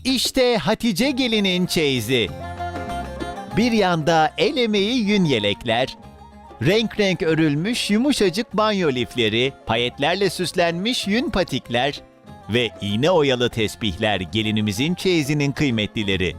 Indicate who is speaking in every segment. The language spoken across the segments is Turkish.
Speaker 1: İşte Hatice gelinin çeyizi. Bir yanda el emeği yün yelekler, renk renk örülmüş yumuşacık banyo lifleri, payetlerle süslenmiş yün patikler ve iğne oyalı tesbihler gelinimizin çeyizinin kıymetlileri.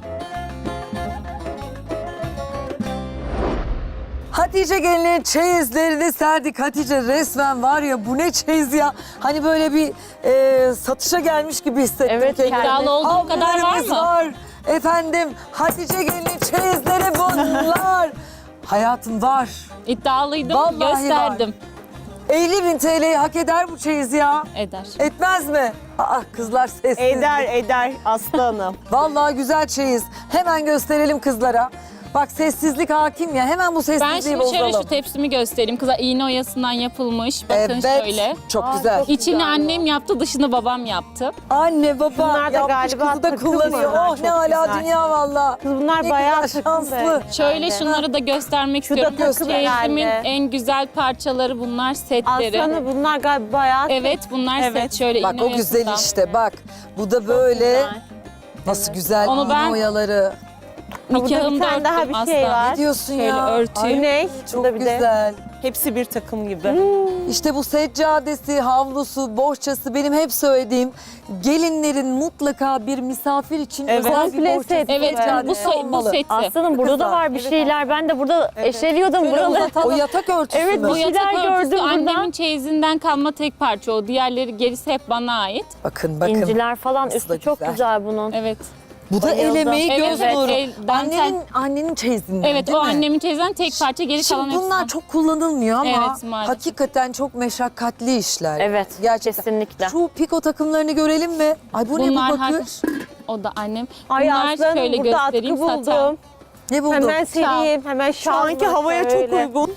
Speaker 2: Hatice gelinin çeyizlerini serdik. Hatice resmen var ya, bu ne çeyiz ya. Hani böyle bir satışa gelmiş gibi hissettim
Speaker 3: Evet,
Speaker 2: kendimi.
Speaker 3: iddialı
Speaker 4: olduğu kadar var
Speaker 2: Havlularımız
Speaker 4: mı?
Speaker 2: var. Efendim Hatice gelinin çeyizleri bunlar. Hayatım var.
Speaker 4: İddialıydım,
Speaker 2: Vallahi
Speaker 4: gösterdim.
Speaker 2: 50.000 TL'yi hak eder bu çeyiz ya.
Speaker 4: Eder.
Speaker 2: Etmez mi? Aa, kızlar sessiz.
Speaker 5: Eder Aslı Hanım.
Speaker 2: Vallahi güzel çeyiz. Hemen gösterelim kızlara. Bak sessizlik hakim ya. Hemen bu
Speaker 4: Ben
Speaker 2: sessizliği
Speaker 4: şimdi
Speaker 2: bozalım.
Speaker 4: şöyle şu tepsimi göstereyim. Kıza iğne oyasından yapılmış. Bakın
Speaker 2: Evet.
Speaker 4: şöyle.
Speaker 2: Çok güzel.
Speaker 4: İçini annem yaptı, dışını babam yaptı.
Speaker 2: Anne baba
Speaker 5: Bunlar da
Speaker 2: yapmış,
Speaker 5: galiba
Speaker 2: kızı da
Speaker 5: takım
Speaker 2: kullanıyor.
Speaker 5: bunlar,
Speaker 2: Oh
Speaker 5: çok
Speaker 2: ne hala
Speaker 5: güzel.
Speaker 2: dünya valla.
Speaker 5: Kız bunlar
Speaker 2: Ne
Speaker 5: bayağı
Speaker 2: güzel,
Speaker 5: takım
Speaker 2: şanslı.
Speaker 5: be.
Speaker 4: Şöyle şunları da göstermek
Speaker 2: Şurada
Speaker 4: istiyorum.
Speaker 2: göster.
Speaker 4: Çeyizimin
Speaker 5: herhalde.
Speaker 4: en güzel parçaları bunlar, setleri.
Speaker 5: Aslı Hanım bunlar galiba bayağı
Speaker 4: Evet, bunlar
Speaker 5: Evet.
Speaker 4: set. Şöyle
Speaker 2: Bak
Speaker 4: iğne
Speaker 2: o güzel
Speaker 4: oyasından.
Speaker 2: işte bak. Bu da böyle. Nasıl güzel
Speaker 4: Onu
Speaker 2: iğne
Speaker 4: ben-
Speaker 2: oyaları.
Speaker 5: burada bir
Speaker 4: Nikahımda
Speaker 5: tane daha
Speaker 4: örttüm
Speaker 5: bir şey
Speaker 4: asla.
Speaker 5: var.
Speaker 2: Ne diyorsun
Speaker 4: Şöyle
Speaker 2: ya?
Speaker 4: örtüyüm.
Speaker 5: Ne?
Speaker 2: Çok
Speaker 5: Burada bir de
Speaker 2: güzel.
Speaker 5: hepsi bir takım gibi.
Speaker 2: İşte bu seccadesi, havlusu, bohçası benim hep söylediğim gelinlerin mutlaka bir misafir için
Speaker 5: Evet.
Speaker 2: özel bir
Speaker 3: Komple
Speaker 2: bohçası,
Speaker 3: set.
Speaker 4: Evet, bu,
Speaker 2: seccadesi
Speaker 4: bu
Speaker 2: olmalı.
Speaker 4: seti.
Speaker 3: Aslanım burada da var bir şeyler. Ben de burada eşeliyordum
Speaker 2: Şöyle
Speaker 3: buraları.
Speaker 2: uzatalım. O yatak örtüsü
Speaker 3: Evet,
Speaker 2: mü?
Speaker 3: bu
Speaker 4: Bu yatak
Speaker 3: şeyler
Speaker 4: örtüsü
Speaker 3: gördüm
Speaker 4: annemin
Speaker 3: buradan.
Speaker 4: çeyizinden kalma tek parça o. Diğerleri gerisi hep bana ait.
Speaker 2: Bakın bakın.
Speaker 3: İnciler falan
Speaker 2: Nasıl da
Speaker 3: üstü çok
Speaker 2: güzel.
Speaker 3: güzel bunun.
Speaker 4: Evet.
Speaker 2: Bu da el
Speaker 3: Bayıldım.
Speaker 2: emeği göz
Speaker 4: Evet,
Speaker 2: nuru.
Speaker 4: el, dantel.
Speaker 2: Annenin çeyizinden
Speaker 4: Evet,
Speaker 2: değil
Speaker 4: o
Speaker 2: mi?
Speaker 4: annemin çeyizinden tek parça, geri kalan
Speaker 2: Şimdi
Speaker 4: hepsi.
Speaker 2: bunlar çok kullanılmıyor ama
Speaker 4: Evet, maalesef.
Speaker 2: hakikaten çok meşakkatli işler.
Speaker 3: Evet,
Speaker 2: Gerçekten.
Speaker 3: kesinlikle.
Speaker 2: Şu piko takımlarını görelim mi? Ay bu ne bu
Speaker 4: Bunlar
Speaker 2: bakış?
Speaker 4: O da annem.
Speaker 5: Ay
Speaker 4: Bunlar
Speaker 5: Aslı Hanım
Speaker 4: şöyle
Speaker 5: burada
Speaker 4: göstereyim,
Speaker 5: atkı
Speaker 4: saten.
Speaker 5: buldum.
Speaker 2: Ne buldun?
Speaker 5: Hemen sereyim. Hemen
Speaker 6: Şu anki havaya çok uygun.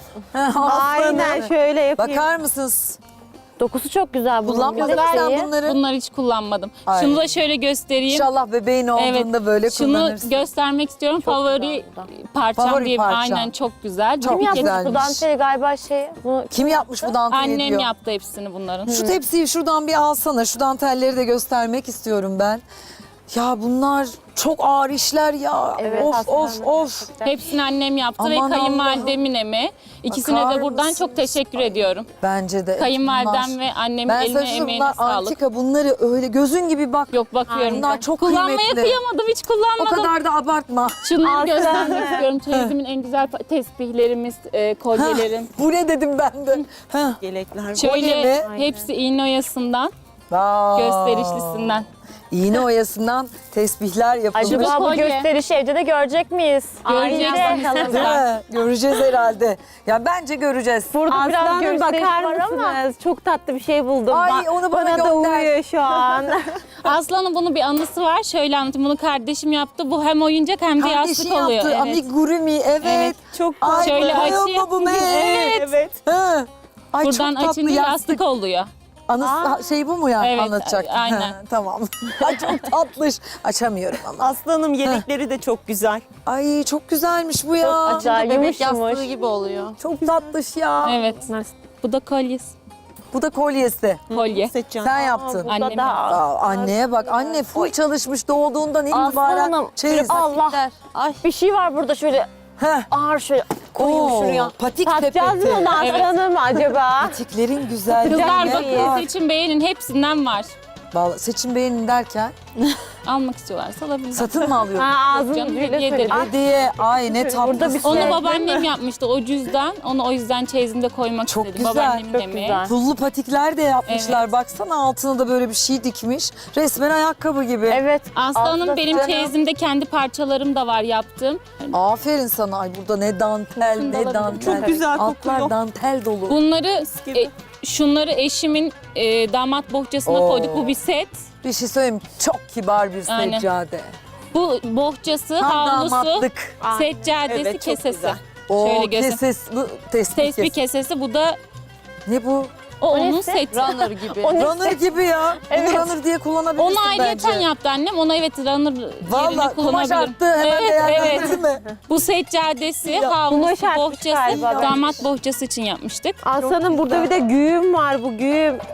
Speaker 5: Aynen şöyle yapayım.
Speaker 2: Bakar mısınız?
Speaker 3: Dokusu çok güzel bunun.
Speaker 2: Kullanmadın mı
Speaker 3: Bir de
Speaker 2: sen
Speaker 3: şeyi.
Speaker 2: bunları?
Speaker 4: Bunları hiç kullanmadım.
Speaker 2: Ay.
Speaker 4: Şunu da şöyle göstereyim.
Speaker 2: İnşallah bebeğin olduğunda böyle
Speaker 4: Şunu
Speaker 2: kullanırsın.
Speaker 4: göstermek istiyorum. Favori
Speaker 3: güzel bu da.
Speaker 4: parçam
Speaker 2: Favori
Speaker 4: diye.
Speaker 2: parçam.
Speaker 4: Aynen, çok güzel.
Speaker 2: Çok
Speaker 3: Kim yapmış
Speaker 2: güzelmiş.
Speaker 3: bu danteli galiba bunu
Speaker 2: Kim yapmış bu danteli
Speaker 4: Annem
Speaker 2: diyor.
Speaker 4: yaptı hepsini bunların.
Speaker 2: Şu tepsiyi şuradan bir alsana. Şu dantelleri de göstermek istiyorum ben. Ya bunlar çok ağır işler ya.
Speaker 3: Evet,
Speaker 2: of
Speaker 3: aslında
Speaker 2: of of.
Speaker 3: gerçekten.
Speaker 4: Hepsini annem yaptı
Speaker 2: Aman
Speaker 4: ve kayınvalidemin emeği. İkisine
Speaker 2: Bakar
Speaker 4: de buradan
Speaker 2: mısınız?
Speaker 4: çok teşekkür ediyorum.
Speaker 2: Bence de.
Speaker 4: Kayınvalidem
Speaker 2: bunlar.
Speaker 4: ve annemin
Speaker 2: Ben
Speaker 4: eline
Speaker 2: sana
Speaker 4: emeğine
Speaker 2: bunlar
Speaker 4: sağlık.
Speaker 2: antika, bunları öyle gözün gibi bak.
Speaker 4: Yok, bakıyorum.
Speaker 2: Bunlar
Speaker 4: ben.
Speaker 2: çok
Speaker 4: Kullanmaya
Speaker 2: kıymetli.
Speaker 4: kıyamadım, hiç
Speaker 2: O
Speaker 4: kullanmadım.
Speaker 2: kadar da abartma.
Speaker 4: Şunları göstermek istiyorum. Çeyizimin en güzel tesbihlerimiz, kolyelerim.
Speaker 2: Bu ne dedim ben de. Heh.
Speaker 6: Yelekler.
Speaker 4: Şöyle
Speaker 2: mi?
Speaker 4: hepsi iğne oyasından,
Speaker 2: Aa.
Speaker 4: gösterişlisinden.
Speaker 2: İğne oyasından tesbihler yapılmış.
Speaker 3: Acaba bu
Speaker 4: kolye.
Speaker 3: gösterişi evde de görecek miyiz?
Speaker 4: Göreceğiz
Speaker 3: Aynen.
Speaker 4: bakalım.
Speaker 2: Değil mi? Göreceğiz herhalde. Ya bence göreceğiz.
Speaker 3: Burada
Speaker 5: Aslı
Speaker 3: biraz
Speaker 5: Hanım
Speaker 3: gösteriş
Speaker 5: bakar
Speaker 3: var ama.
Speaker 5: mısınız? Çok tatlı bir şey buldum.
Speaker 2: Ay, onu bana
Speaker 5: da
Speaker 2: gönder.
Speaker 5: uyuyor şu an.
Speaker 4: Aslan'ın bunun bir anısı var. Şöyle anlatayım. Bunu kardeşim yaptı. Bu hem oyuncak hem de
Speaker 2: Kardeşin
Speaker 4: yastık oluyor.
Speaker 2: yaptı. Amigurumi evet.
Speaker 4: Evet.
Speaker 5: Çok
Speaker 2: Ay,
Speaker 4: Şöyle
Speaker 2: koyuyor
Speaker 4: açayım.
Speaker 2: mu bu be?
Speaker 4: Evet.
Speaker 2: Ha. Ay
Speaker 4: Buradan
Speaker 2: çok tatlı
Speaker 4: açınca yastık oluyor.
Speaker 2: Anısı şey bu mu ya
Speaker 4: Evet,
Speaker 2: anlatacak?
Speaker 4: aynen.
Speaker 2: Ha, tamam. Ay çok tatlış. Açamıyorum ama.
Speaker 6: Aslanım yelekleri de çok güzel.
Speaker 2: Ay çok güzelmiş bu ya.
Speaker 3: Acayip yumuş yumuş.
Speaker 4: gibi oluyor.
Speaker 2: Çok tatlış ya.
Speaker 4: Evet. Bu da kolyesi.
Speaker 2: Bu da kolyesi.
Speaker 4: Kolye.
Speaker 6: Seçeceğim.
Speaker 2: Sen yaptın.
Speaker 3: Burada
Speaker 4: Annem
Speaker 3: da
Speaker 2: Aa, anneye bak. Anne full çalışmış doğduğundan
Speaker 3: Aslı
Speaker 2: itibaren.
Speaker 3: Hanım,
Speaker 2: Çeyiz.
Speaker 3: Allah. Bir şey var burada şöyle
Speaker 2: Heh.
Speaker 3: ağır şöyle koyayım
Speaker 2: Oo,
Speaker 3: şuraya.
Speaker 2: patik
Speaker 5: Satacağız
Speaker 2: sepeti.
Speaker 5: mı onu Aslı
Speaker 4: Evet.
Speaker 5: Hanım acaba?
Speaker 2: Patiklerin güzelliği.
Speaker 4: Kızlar
Speaker 2: ne
Speaker 4: bakın,
Speaker 2: var?
Speaker 4: seçin beğenin, hepsinden var.
Speaker 2: Vallahi seçim beğenin derken
Speaker 4: Almak istiyorlarsa alabilirler.
Speaker 2: satın mı alıyorsun?
Speaker 5: Ha ağzını
Speaker 4: Canım,
Speaker 5: ucuyla
Speaker 4: hediye
Speaker 5: söyle.
Speaker 4: ederim.
Speaker 2: Hediye. Ay ne tatlısın.
Speaker 4: Onu babaannem yapmıştı o cüzdan. Onu o yüzden çeyizimde koymak
Speaker 2: Çok
Speaker 4: istedim.
Speaker 2: güzel,
Speaker 4: Babaannemin
Speaker 3: çok
Speaker 4: emeği.
Speaker 3: güzel.
Speaker 2: Pullu patikler de yapmışlar.
Speaker 4: Evet.
Speaker 2: Baksana altına da böyle bir şey dikmiş. Resmen ayakkabı gibi.
Speaker 3: Evet.
Speaker 4: Aslanım
Speaker 3: Altta
Speaker 4: benim
Speaker 2: canım.
Speaker 4: çeyizimde kendi parçalarım da var yaptığım.
Speaker 2: Aferin sana. Ay burada ne dantel
Speaker 4: Şunu da
Speaker 2: ne
Speaker 4: alabilirim.
Speaker 2: dantel.
Speaker 6: Çok güzel
Speaker 2: Altlar
Speaker 6: kokuyor.
Speaker 2: dantel dolu.
Speaker 4: Bunları
Speaker 6: gibi.
Speaker 4: şunları eşimin damat bohçasına
Speaker 2: Oo.
Speaker 4: koyduk. Bu bir set.
Speaker 2: Bir şey söyleyeyim mi? Çok kibar bir
Speaker 4: Aynen.
Speaker 2: seccade.
Speaker 4: Bu bohçası,
Speaker 2: Tam
Speaker 4: havlusu,
Speaker 2: damatlık.
Speaker 4: seccadesi,
Speaker 6: Evet, çok
Speaker 4: kesesi.
Speaker 6: güzel.
Speaker 2: O
Speaker 4: Şöyle göster.
Speaker 2: keses, bu tespih
Speaker 4: Tesbih
Speaker 2: kes.
Speaker 4: kesesi, bu da
Speaker 2: Ne bu?
Speaker 4: onun
Speaker 3: neyse.
Speaker 4: seti.
Speaker 3: Runner gibi.
Speaker 2: Runner gibi ya.
Speaker 3: Evet.
Speaker 2: Bunu runner diye kullanabilirsin
Speaker 4: Onu
Speaker 2: bence.
Speaker 4: ayrıyeten yaptı annem. Ona evet runner yerine
Speaker 2: Valla kumaş
Speaker 4: kullanabilirim.
Speaker 2: arttı hemen
Speaker 4: Evet,
Speaker 2: değerlendirdi mi?
Speaker 4: Bu seccadesi,
Speaker 5: kumaş
Speaker 4: havlusu,
Speaker 5: artmış
Speaker 4: bohçası,
Speaker 5: galiba.
Speaker 4: damat bohçası için yapmıştık.
Speaker 5: Aslı Hanım burada bir de güğüm var bu güğüm.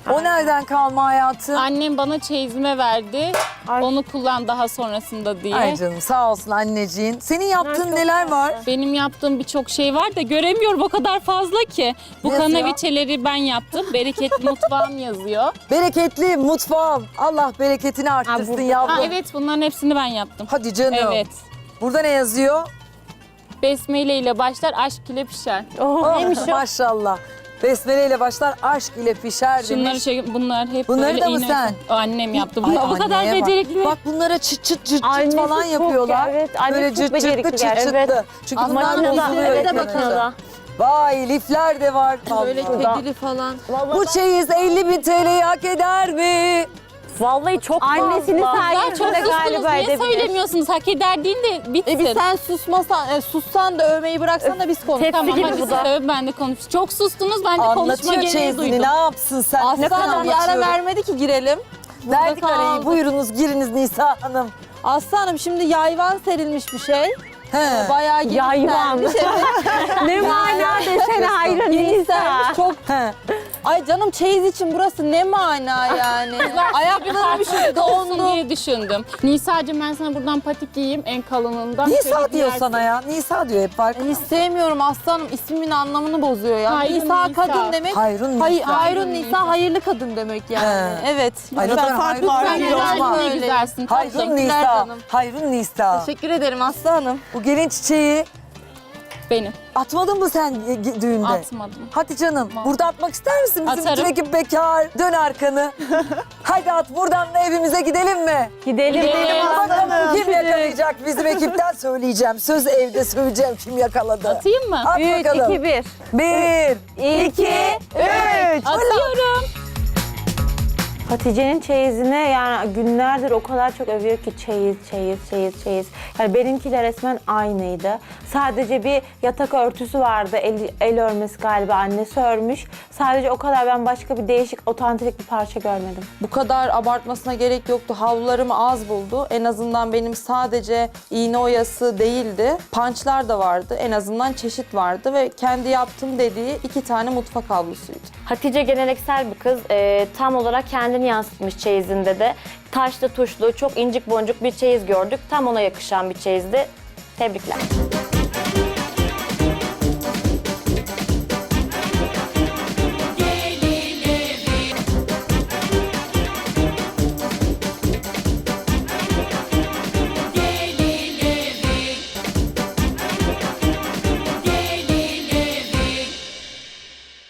Speaker 2: O nereden kalma hayatım?
Speaker 4: Annem bana çeyizime verdi.
Speaker 5: Ay.
Speaker 4: Onu kullan daha sonrasında diye.
Speaker 2: Ay canım sağ olsun anneciğin. Senin yaptığın
Speaker 5: çok
Speaker 2: neler var?
Speaker 4: Benim yaptığım birçok şey var da göremiyorum, o kadar fazla ki. Bu
Speaker 2: Ne yazıyor?
Speaker 4: kanaviçeleri ben yaptım. Bereketli mutfağım yazıyor.
Speaker 2: Bereketli mutfağım. Allah bereketini arttırsın
Speaker 5: burada.
Speaker 2: yavrum.
Speaker 4: Ha, evet, bunların hepsini ben yaptım.
Speaker 2: Hadi canım.
Speaker 4: Evet.
Speaker 2: Burada ne yazıyor?
Speaker 4: Besmele ile başlar, aşk ile pişer.
Speaker 2: Oh,
Speaker 5: neymiş o?
Speaker 2: maşallah. Besmele ile başlar, aşk ile pişer
Speaker 4: Şunları
Speaker 2: demiş.
Speaker 4: bunlar hep
Speaker 2: Bunları
Speaker 4: böyle
Speaker 2: da mı
Speaker 4: iğne-
Speaker 2: sen?
Speaker 4: O annem yaptı.
Speaker 2: Ay,
Speaker 4: Bu kadar
Speaker 2: anneye bak.
Speaker 4: becerikli.
Speaker 2: Bak bunlara çıt çıt çıt çıt
Speaker 5: Annesi
Speaker 2: falan
Speaker 5: çok
Speaker 2: yapıyorlar.
Speaker 5: evet, annesi
Speaker 2: Böyle
Speaker 5: çok
Speaker 2: çıt
Speaker 5: becerikli
Speaker 2: çıtlı çıt
Speaker 5: gerçekten.
Speaker 2: çıtlı. Çünkü bunlar
Speaker 5: Makinede,
Speaker 2: bozuluyor.
Speaker 5: evet,
Speaker 2: ekranında.
Speaker 5: makinede.
Speaker 2: Vay lifler de var.
Speaker 7: Böyle
Speaker 2: Allah.
Speaker 7: kedili falan.
Speaker 2: Bu çeyiz 50.000 TL'yi hak eder mi?
Speaker 3: Vallahi çok
Speaker 5: Annesini
Speaker 3: fazla.
Speaker 4: Ben çok
Speaker 5: sayesinde
Speaker 4: sustunuz.
Speaker 5: galiba
Speaker 4: Niye
Speaker 5: edebilir.
Speaker 4: söylemiyorsunuz? Hak eder değil de bitsin.
Speaker 7: Bir sen susmasan, sussan da övmeyi bıraksan da biz konuşalım.
Speaker 3: Tepsi
Speaker 4: Tamam,
Speaker 3: gibi
Speaker 4: hadi
Speaker 3: bu
Speaker 4: siz
Speaker 3: da.
Speaker 4: övün, ben de konuş. Çok sustunuz, ben de konuşma
Speaker 2: Anlatıyor
Speaker 4: gereği
Speaker 2: çeyizini.
Speaker 4: duydum.
Speaker 2: Ne yapsın sen? Ne kadar
Speaker 7: Aslanım bir ara
Speaker 2: anlatıyorum.
Speaker 7: vermedi ki girelim.
Speaker 2: Verdik
Speaker 7: Burada
Speaker 2: arayı.
Speaker 7: kaldı.
Speaker 2: Buyurunuz giriniz Nisa Hanım.
Speaker 7: Aslanım şimdi yayvan serilmiş bir şey.
Speaker 2: He.
Speaker 7: Bayağı
Speaker 5: Yayvan.
Speaker 7: genişlenmiş. Evet.
Speaker 5: Ne mana desene hayran Nisa.
Speaker 7: Genişlenmiş. Çok.
Speaker 2: He.
Speaker 7: Ay canım çeyiz için burası ne mana yani. Ayaklarım şu
Speaker 4: olsun
Speaker 7: dondu.
Speaker 4: diye düşündüm. Nisa'cığım, ben sana buradan patik giyeyim en kalınından.
Speaker 2: Nisa
Speaker 4: Şöyle
Speaker 2: diyor
Speaker 4: giyersin.
Speaker 2: sana ya. Nisa diyor hep farkında.
Speaker 7: Hiç sevmiyorum aslanım. İsmimin anlamını bozuyor ya.
Speaker 4: Hayrun
Speaker 7: Nisa
Speaker 4: Nisa.
Speaker 7: kadın demek.
Speaker 2: Hayrun
Speaker 7: Hay,
Speaker 2: Nisa.
Speaker 7: hayrun Nisa hayırlı kadın demek yani.
Speaker 2: He.
Speaker 7: Evet.
Speaker 2: Ay, ne
Speaker 7: lütfen
Speaker 2: kadar
Speaker 7: farklı
Speaker 2: hayrun
Speaker 4: Sen
Speaker 7: bir
Speaker 2: Nisa.
Speaker 7: şey
Speaker 4: güzel,
Speaker 7: olma.
Speaker 4: ne
Speaker 7: Öyle.
Speaker 4: güzelsin.
Speaker 2: Hayrun
Speaker 7: Teşekkürler
Speaker 2: Nisa.
Speaker 7: canım.
Speaker 2: Hayrun Nisa.
Speaker 7: Teşekkür ederim aslanım.
Speaker 2: Bu gelin çiçeği
Speaker 4: Benim.
Speaker 2: atmadın mı sen düğünde?
Speaker 4: Atmadım.
Speaker 2: Hadi canım. Burada atmak ister misin? Bizim
Speaker 4: Atarım.
Speaker 2: bütün ekip bekar. Dön arkanı. Hadi at buradan da evimize gidelim mi?
Speaker 5: Gidelim.
Speaker 2: Bakalım kim yakalayacak bizim ekipten söyleyeceğim. Söz evde söyleyeceğim kim yakaladı.
Speaker 4: Atayım mı?
Speaker 2: At
Speaker 5: 3,
Speaker 2: bakalım.
Speaker 5: 2, 1.
Speaker 2: 1, 2, 3.
Speaker 4: Atıyorum.
Speaker 5: Hatice'nin çeyizine yani günlerdir o kadar çok övüyor ki çeyiz. Yani benimkiler resmen aynıydı. Sadece bir yatak örtüsü vardı. El örmesi galiba annesi örmüş. Sadece o kadar, ben başka bir değişik otantik bir parça görmedim.
Speaker 7: Bu kadar abartmasına gerek yoktu. Havlularımı az buldu. En azından benim sadece iğne oyası değildi. Pançlar da vardı. En azından çeşit vardı ve kendi yaptım dediği 2 tane mutfak havlusuydu.
Speaker 3: Hatice geleneksel bir kız. Tam olarak kendini yansıtmış çeyizinde de. Taşlı tuşlu, çok incik boncuk bir çeyiz gördük. Tam ona yakışan bir çeyizdi. Tebrikler.